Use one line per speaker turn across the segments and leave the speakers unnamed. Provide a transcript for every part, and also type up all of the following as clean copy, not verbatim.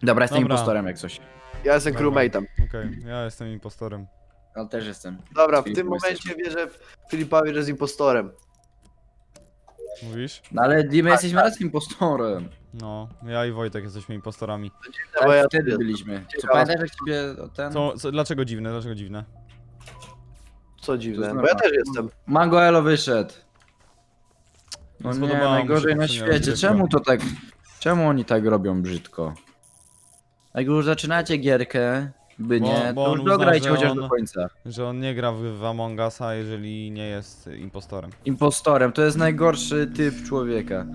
Dobra, jestem
Dobra.
impostorem jak coś.
Ja jestem
Dobra.
crewmate'em.
Okej, ja jestem impostorem.
Ale też jestem.
Dobra, w
Filip,
tym
bo
momencie
jesteśmy.
wierzę Filipowi, że jest impostorem.
Mówisz?
No ale my jesteśmy raz impostorem.
No, ja i Wojtek jesteśmy impostorami.
Bo ja
Tak, wtedy
też.
byliśmy. Co
Ciekawe.
pamiętasz jak ciebie ten...
Dlaczego dziwne, dlaczego dziwne?
Co dziwne,
To
bo ja
znaczy-
też jestem.
Mango Elo wyszedł. No
Nie
nie,
spodobało mi się
najgorzej na
poprzednia
świecie.
rozgrywka.
Czemu to tak... Czemu oni tak robią brzydko? Jak już zaczynacie gierkę, by
Bo-
nie,
bo
to
on
już
uzna,
dograjcie
że
chociaż
on-
do końca.
Że on nie gra w Among Usa, jeżeli nie jest impostorem.
Impostorem, to jest najgorszy typ człowieka.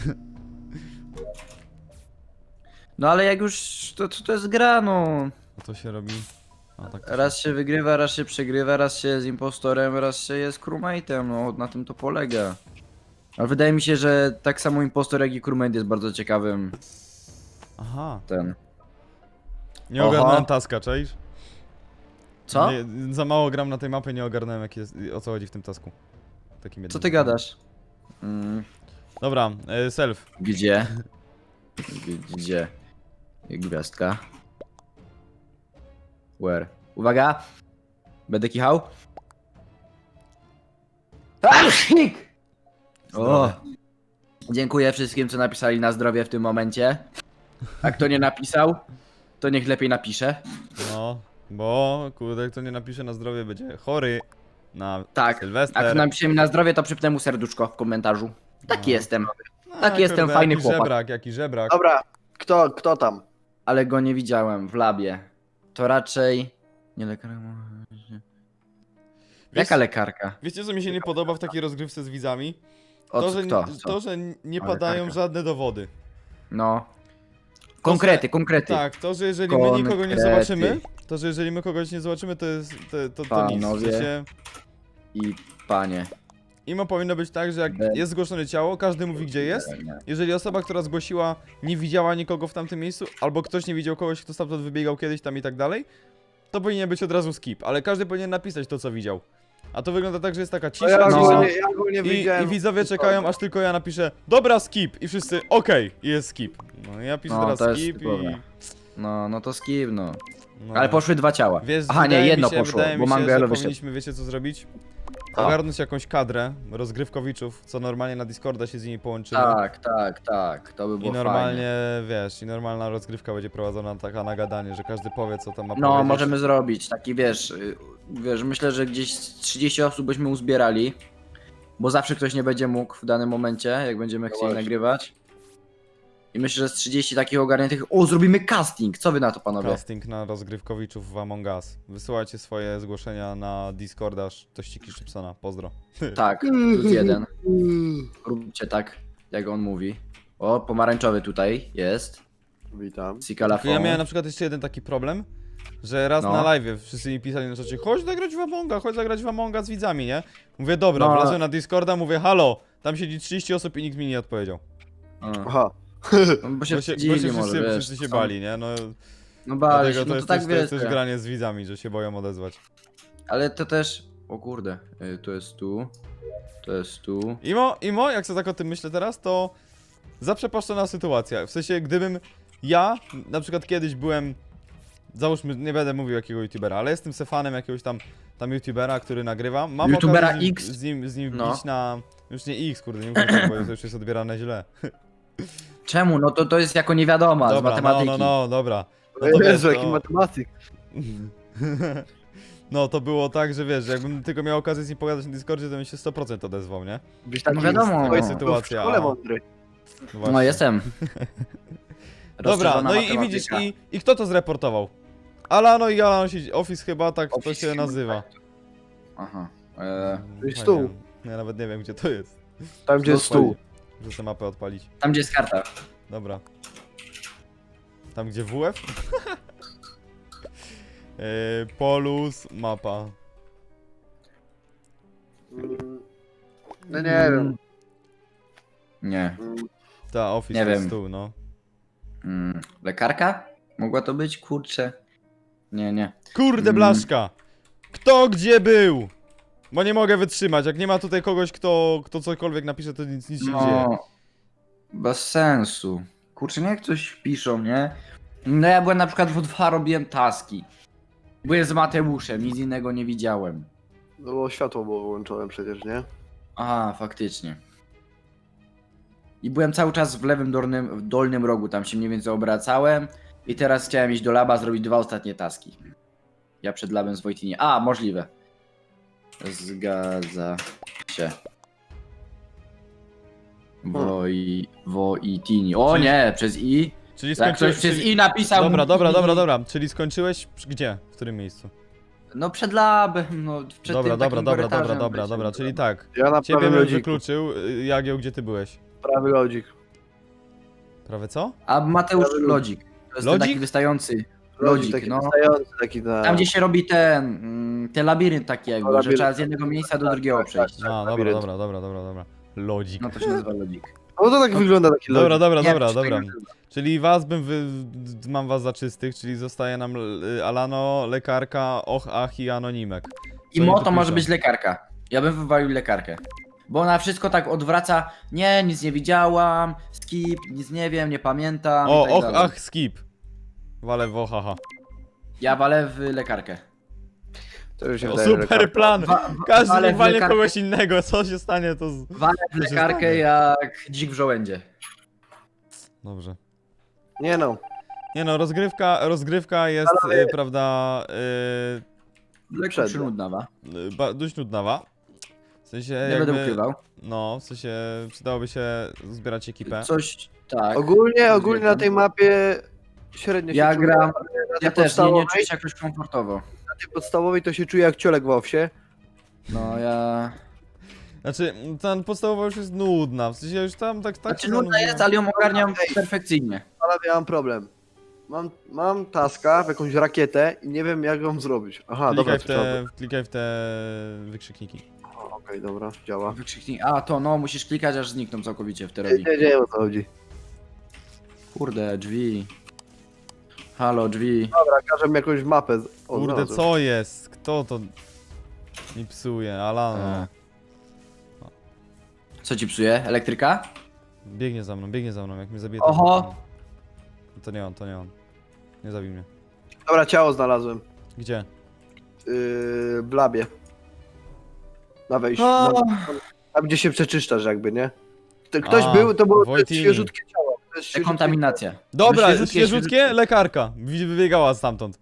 No ale jak już, to jest gra, no.
A to się robi... A, tak to
Raz się wygrywa, raz się przegrywa, raz się jest impostorem, raz się jest crewmate'em, no na tym to polega. Ale wydaje mi się, że tak samo impostor jak i crewmate jest bardzo ciekawym
Aha.
ten.
Nie
Oho.
ogarnąłem taska, czaisz?
Co?
Nie, za mało gram na tej mapie, nie ogarnąłem o co chodzi w tym tasku. Takim
Co
jednym.
ty gadasz? Mm,
Dobra, self.
gdzie? Gdzie? Gwiazdka. Where? Uwaga! Będę kichał. O! Dziękuję wszystkim, co napisali na zdrowie w tym momencie. A kto nie napisał, to niech lepiej napisze.
No, bo kurde, kto nie napisze na zdrowie będzie chory na
Tak. A
Sylwester.
kto napisze mi na zdrowie, to przypnę mu serduszko w komentarzu. Taki
No.
jestem.
A,
taki jestem,
kurde,
fajny
jaki
chłopak.
żebrak, jaki żebrak.
Dobra, kto tam?
Ale go nie widziałem w labie. To raczej... Nie lekarka. Jaka lekarka?
Wiecie co mi się nie podoba w takiej rozgrywce z widzami?
O
To,
co,
że,
kto?
to, że nie padają
lekarka.
żadne dowody.
No. Konkrety, konkrety.
Tak, to, że jeżeli my nikogo nie
Konkrety.
zobaczymy, to, że jeżeli my kogoś nie zobaczymy, to jest, to nic. W
Panowie.
sensie,
I panie.
imo powinno być tak, że jak
Be-
jest zgłoszone ciało, każdy mówi gdzie jest. Jeżeli osoba, która zgłosiła, nie widziała nikogo w tamtym miejscu, albo ktoś nie widział kogoś, kto stamtąd wybiegał kiedyś tam i tak dalej, to powinien być od razu skip, ale każdy powinien napisać to, co widział. A to wygląda tak, że jest taka
No
cisza,
ja
no.
ogólnie
i
widziałem.
widzowie czekają, aż tylko ja napiszę dobra, skip i wszyscy okej, i jest skip. No ja piszę
No,
teraz
to jest
skip
typowe.
i...
No to skip, no.
No.
Ale poszły dwa ciała.
Wiesz,
Aha, nie,
wydaje mi
jedno
się,
poszło,
wydaje
bo
mi się,
Mangoelo
że
wyszedł.
powinniśmy, wiecie co zrobić?
Co?
Ogarnąć jakąś kadrę rozgrywkowiczów, co normalnie na Discorda się z nimi połączymy.
Tak, to by było
I normalnie,
fajnie.
wiesz, i normalna rozgrywka będzie prowadzona taka na gadanie, że każdy powie, co tam ma
No,
powiedzieć.
możemy zrobić taki, wiesz, myślę, że gdzieś z 30 osób byśmy uzbierali, bo zawsze ktoś nie będzie mógł w danym momencie, jak będziemy chcieli
właśnie.
nagrywać. I myślę, że z 30 takich ogarniętych, o, zrobimy casting, co wy na to, panowie?
Casting na rozgrywkowiczów w Among Us. Wysyłajcie swoje zgłoszenia na Discorda Tościki Szybsona. Pozdro.
Tak, plus jeden. Róbcie tak, jak on mówi. O, pomarańczowy tutaj jest.
Witam.
Sikalafon.
Ja miałem na przykład jeszcze jeden taki problem, że raz
No.
na live wszyscy mi pisali na czacie, chodź zagrać w Amonga, chodź zagrać w Amonga z widzami, nie? Mówię, dobra,
No.
wlazłem na Discorda, mówię, halo, tam siedzi 30 osób i nikt mi nie odpowiedział.
Aha.
No, bo się
Bo się
wstydzili może, wiesz.
wszyscy się
są-
bali, nie? No,
No bali się,
dlatego to
no to
jest,
tak
też, to jest
wiesz.
też granie z widzami, że się boją odezwać.
Ale to też... O kurde, to jest tu. To jest tu.
Imo, jak sobie tak o tym myślę teraz, to zaprzepaszczona sytuacja. W sensie, gdybym ja, na przykład kiedyś byłem, załóżmy, nie będę mówił jakiego youtubera, ale jestem se fanem jakiegoś tam youtubera, który nagrywa. Mam
Youtubera
okazję
X?
z nim
No.
bić na... Już nie X, kurde, nie mówię tak, bo to już jest odbierane źle.
Czemu? No to jest jako niewiadoma z
Dobra,
matematyki.
dobra. No to wiesz,
Jezu, jaki
to...
matematyk.
No to było tak, że wiesz, jakbym tylko miał okazję z nim pogadać na Discordzie, to bym się 100% odezwał, nie?
Byś taki
No wiadomo.
byłeś
Sytuacja,
w szkole
a-
mądry.
Właśnie.
No jestem.
Dobra,
Rozszerzona
no i
matematyka.
widzisz, i kto to zreportował? Alano i Alano siedzi, Office chyba, tak to
Office
się
chyba,
nazywa.
Aha.
To jest
Fajnie.
stół.
Ja nawet nie wiem, gdzie to jest.
Tam gdzie jest stół.
Muszę tę mapę odpalić.
Tam gdzie jest karta.
Dobra. Tam gdzie WF? Polus, mapa.
No nie wiem.
Nie.
Ta, Office
Nie
to jest
wiem.
stół, no.
Lekarka? Mogła to być? Kurczę. Nie.
Kurde blaszka! Kto gdzie był? Bo nie mogę wytrzymać, jak nie ma tutaj kogoś, kto cokolwiek napisze, to nic się nie dzieje.
No. Bez sensu. Kurczę, niech coś piszą, nie? No ja byłem na przykład w O2, robiłem taski. Byłem z Mateuszem, nic innego nie widziałem.
No bo światło było wyłączone przecież, nie?
Aha, faktycznie. I byłem cały czas w lewym dolnym rogu, tam się mniej więcej obracałem. I teraz chciałem iść do laba, zrobić 2 ostatnie taski. Ja przed labem z Wojtinie. A, możliwe. Zgadza się. Wojtini. O
Czyli-
nie, przez I.
Czyli
Jak ktoś przez I napisał.
Dobra, dobra,
I-
dobra, dobra. Czyli skończyłeś gdzie? W którym miejscu?
No przed labem, no przed
Dobra,
tym
dobra,
takim
dobra,
korytarzem
dobra, dobra,
będzie.
dobra. Czyli tak.
Ja na
Ciebie
prawym
bym
lodziku.
wykluczył. Jagieł, gdzie ty byłeś?
Prawy lodzik.
Prawie co?
A Mateusz
Prawy
Lodzik. To jest ten
Lodzik?
taki wystający.
Lodzik
Lodzik,
taki
no.
wystający, taki na...
Tam gdzie się robi ten labirynt taki jakby, że
labirynt.
trzeba z jednego miejsca do drugiego przejść.
A, dobra,
labirynt.
dobra, dobra, dobra, dobra. Lodzik.
No to się nazywa lodzik.
No to tak wygląda taki lodzik.
Dobra, dobra,
Nie,
dobra,
czy
dobra.
tego-
Czyli was mam was za czystych, czyli zostaje nam Alano, lekarka, Och, Ach i Anonimek.
I
Co oni
Moto
tu
może
piszą?
być lekarka. Ja bym wywalił lekarkę. Bo ona wszystko tak odwraca. Nie, nic nie widziałam. Skip, nic nie wiem, nie pamiętam.
O,
i tak
Och,
dalej.
Ach, skip. Wale w Ohaha.
Ja walę w lekarkę.
To już się
O,
wydaje, że
super plan! Każdy
walę
niech
w
walnie
lekarkę.
kogoś innego, co się stanie to z...
Walę w
Co się
lekarkę
stanie?
jak dzik w żołędzie.
Dobrze.
Nie no.
Nie no, rozgrywka jest, prawda,
Lekko
Przednia.
przynudnawa.
dość nudnawa. W sensie
Nie będę
jakby,
ukrywał.
no, w sensie przydałoby się zbierać ekipę.
Coś, tak.
Ogólnie na tej mapie średnio
Ja
się czuję,
gram,
ale na tej
ja też nie
podstawowej-
czuję się jakoś komfortowo.
Na tej podstawowej to się czuję jak ciolek w owsie.
No ja...
Znaczy, ta podstawowa już jest nudna, w sensie już tam tak
Znaczy
się
nudna jest, ale ją ogarniam perfekcyjnie.
Ale ja mam problem. Mam taska w jakąś rakietę i nie wiem jak ją zrobić. Aha, dobra,
Klikaj w te wykrzykniki.
Okej, dobra, działa.
Wykrzyknik. A to no, musisz klikać aż znikną całkowicie w
Nie,
teorii.
nie wiem o co chodzi.
Kurde, drzwi. Halo, drzwi.
Dobra, każę mi jakąś mapę.
Kurde,
znalazłem.
co jest? Kto to mi psuje? Alano.
Co ci psuje? Elektryka?
Biegnie za mną, jak mnie zabije
Oho.
To nie on, to nie on. Nie zabij mnie.
Dobra, ciało znalazłem.
Gdzie?
W labie. Na wejściu.
O.
Tam gdzie się przeczyszczasz jakby, nie? Ktoś
A,
był, to było
Wojtini.
świeżutkie ciało. To jest świeżutkie
Dekontaminacja.
Dobra,
Świeżutkie,
świeżutkie, lekarka. Wybiegała stamtąd.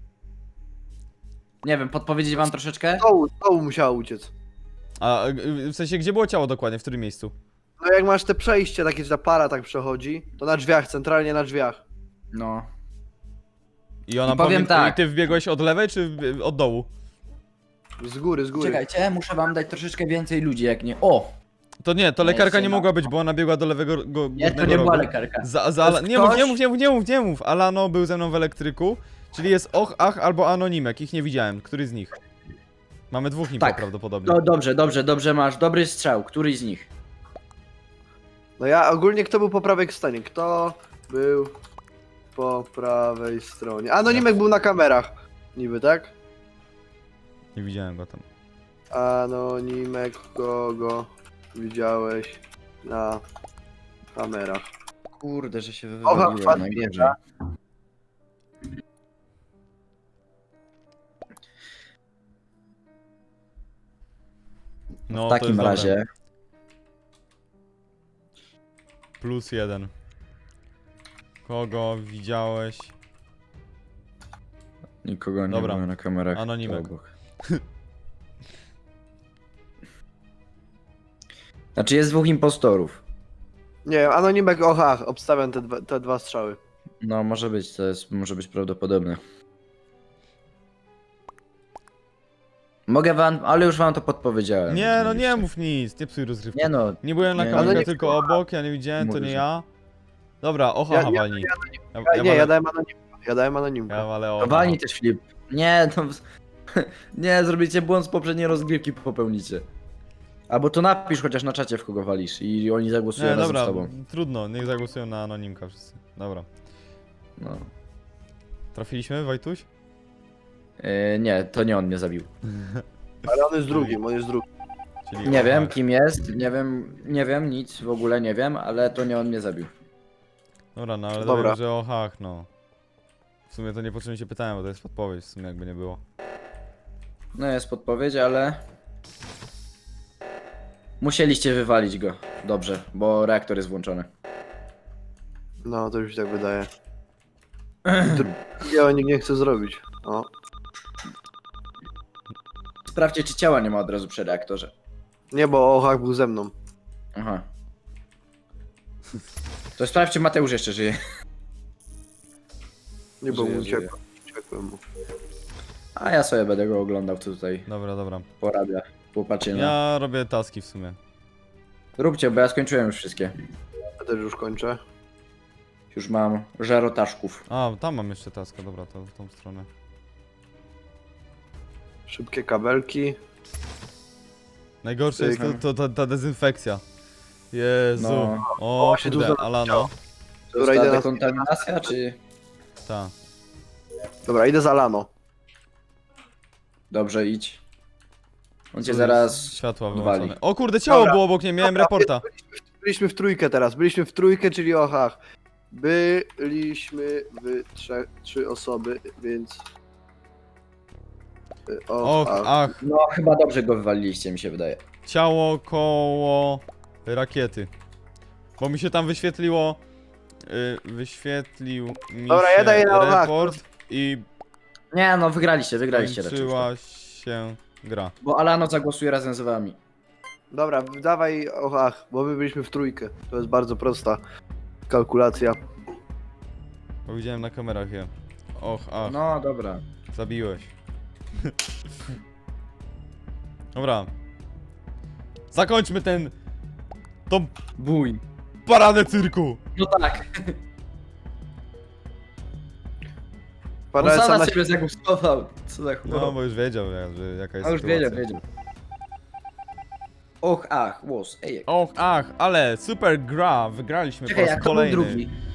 Nie wiem, podpowiedzieć wam troszeczkę?
ciało. Z dołu musiała uciec.
A w sensie, gdzie było ciało dokładnie? W którym miejscu?
No jak masz te przejście takie, że ta para tak przechodzi, to na drzwiach, centralnie na drzwiach.
No.
I ona
I powiem tak.
I ty wbiegłeś od lewej czy od dołu?
Z góry, z góry.
Czekajcie, muszę wam dać troszeczkę więcej ludzi, jak nie... O!
To nie, to
Nie,
lekarka
jeszcze
nie
ma.
mogła być, bo ona biegła do lewego
Nie, to
górnego
nie była
rogu.
lekarka.
Za
To jest
nie mów, nie
ktoś-
mów, nie mów. Alano był ze mną w elektryku, czyli jest Och, Ach albo Anonimek. Ich nie widziałem. Który z nich? Mamy dwóch niby
Tak.
prawdopodobnie.
No dobrze, masz dobry strzał. Któryś z nich?
No ja ogólnie kto był po prawej stronie? Kto był po prawej stronie? Anonimek był na kamerach. Niby, tak?
Nie widziałem go tam.
Anonimek, kogo widziałeś na kamerach?
Kurde, że się
Oha,
wywaliłem,
wpadł
najgorzej.
No,
W
to
takim
jest dobre.
razie...
+1. Kogo widziałeś?
Nikogo nie
Dobra.
było na kamerach.
Anonimek.
obok. Znaczy jest dwóch impostorów.
Nie, Anonimek, oha, obstawiam te dwa strzały.
No może być, to jest, może być prawdopodobne. Mogę wam, ale już wam to podpowiedziałem.
Nie,
więc
no nie
wiecie.
mów nic, nie psuj rozgrywki.
Nie no,
Nie byłem na
Nie,
kamerze,
Anonim-
tylko obok, ja nie widziałem, to
Mówisz,
nie
że-
ja. Dobra, Oha,
Ja-
walnij.
Ja dałem Anonimka. Ja dałem Anonimka.
Ja walę
to
Oha.
walnij też Filip. Nie, to... Nie, zrobicie błąd z poprzedniej rozgrywki, popełnicie. Albo to napisz chociaż na czacie, w kogo walisz i oni zagłosują
Nie,
razem
dobra,
z tobą.
trudno, niech zagłosują na Anonimka wszyscy. Dobra.
No.
Trafiliśmy, Wojtuś?
Nie, to nie on mnie zabił.
Ale on jest drugim, on jest drugim.
Czyli
Nie
Oha.
wiem kim jest, nie wiem, nic w ogóle nie wiem, ale to nie on mnie zabił.
Dobra, no ale
Dobra.
dobra, że Ohach, no. W sumie to niepotrzebnie się pytałem, bo to jest podpowiedź, w sumie jakby nie było.
No jest podpowiedź, ale... Musieliście wywalić go. Dobrze, bo reaktor jest włączony.
No, to już mi tak wydaje. Ja nikt nie chce zrobić. O.
Sprawdźcie, czy ciała nie ma od razu przy reaktorze.
Nie, bo Ochak był ze mną.
Aha. To sprawdź, czy Mateusz jeszcze żyje.
Nie, bo
Żyje,
mu
żyje.
uciekłem mu.
A ja sobie będę go oglądał, co tutaj
Dobra, dobra.
porabia. Popatrzcie na...
Ja robię taski w sumie.
Róbcie, bo ja skończyłem już wszystkie.
Ja też już kończę.
Już mam żarotaszków.
A, tam mam jeszcze taska, dobra, to w tą stronę.
Szybkie kabelki.
Najgorsze jest ta dezynfekcja. Jezu.
No.
O,
Właśnie
kurde,
dużo
Alano.
To
Dobra,
jest
idę
ta
na...
dekontaminacja, czy...
Ta.
Dobra, idę za Lano.
Dobrze, idź. On cię zaraz...
Światła
odwali.
wyłączone. O kurde, ciało
Dobra.
było obok mnie, miałem
Dobra,
reporta.
Byliśmy w trójkę teraz. Byliśmy w trójkę, czyli Ochach. Byliśmy w trzy osoby, więc...
Och, ach.
No, chyba dobrze go wywaliliście, mi się wydaje.
Ciało koło rakiety. Bo mi się tam wyświetliło... wyświetlił mi
Dobra, ja
się
daję na Ohak.
report i
Nie, no wygraliście raczej.
kończyła się gra.
Bo Alano zagłosuje razem z wami.
Dobra, dawaj Ochach, bo my byliśmy w trójkę. To jest bardzo prosta kalkulacja.
Bo widziałem na kamerach je. Och, ach,
No, dobra.
zabiłeś. Dobra. Zakończmy tą
Bój.
paradę cyrku.
No tak. On
Parę
sam na
na
siebie zagłosował. Co za
No,
chłop.
bo już wiedział, jaka jest
A już
sytuacja.
wiedział. Och, ach, łos, ej.
Och, ach, ale super gra, wygraliśmy
Czekaj,
po raz
jak to był
kolejny.
drugi?